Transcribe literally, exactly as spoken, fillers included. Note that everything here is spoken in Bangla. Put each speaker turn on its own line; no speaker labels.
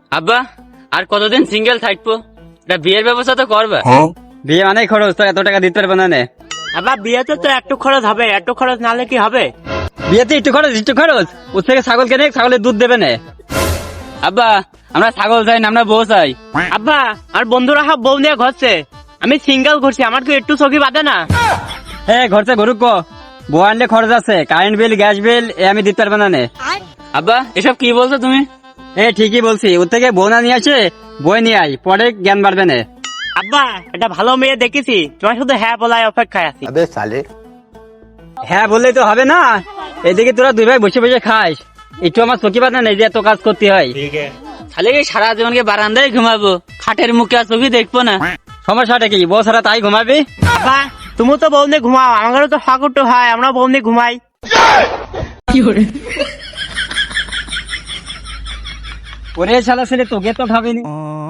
আব্বা আর কতদিন সিঙ্গেল থাকবো? এটা বিয়ের ব্যবস্থা তো করবে।
বিয়ে অনেক খরচ, তো এত টাকা দিতে পারবো না নে।
আবার বিয়েতে তো একটু খরচ হবে, একটু খরচ নালে কি হবে?
বিয়েতে একটু খরচ একটু খরচ ওর থেকে ছাগল কেনে, ছাগলের দুধ দেবে না।
আব্বা আমরা ছাগল চাই না, আমরা বউ চাই।
আব্বা আর বন্ধুরা সব বউ নিয়ে ঘরছে, আমি সিঙ্গেল ঘুরছি, আমার কি একটু চোখে বাঁধে না?
হ্যাঁ ঘরছে গরুক কো, বউ আনলে খরচ আছে, কারেন্ট বিল গ্যাস বিল এ আমি দিতে পারবো না নে।
আব্বা এসব কি বলছো তুমি?
এ ঠিকই বলছি, ওর থেকে বউ না নিয়ে আসে বই নিয়ে আই, পরে জ্ঞান বাড়বে না।
আব্বা এটা ভালো মেয়ে দেখেছি, তোমার শুধু হ্যাঁ বলায় অপেক্ষায় আছি।
হ্যাঁ বললেই তো হবে না, এদিকে তোরা দুই ভাই বসে বসে খাস, একটু আমার চোখে বাঁধা নেই যে এত কাজ করতে হয়।
তাহলে কি সারা জীবনকে বারান্দায় ঘুমাবো, খাটের মুখে আর চোখে দেখবো না?
সমস্যাটা কি, বউ ছাড়া তাই ঘুমাবি?
আব্বা তুমি তো বউ নিয়ে ঘুমাও, আমারও তো ফাঁকুটো হয়, আমরা বউ নিয়ে ঘুমাই।
ওরে শালা ছেলে তোকে তো খাবিনি।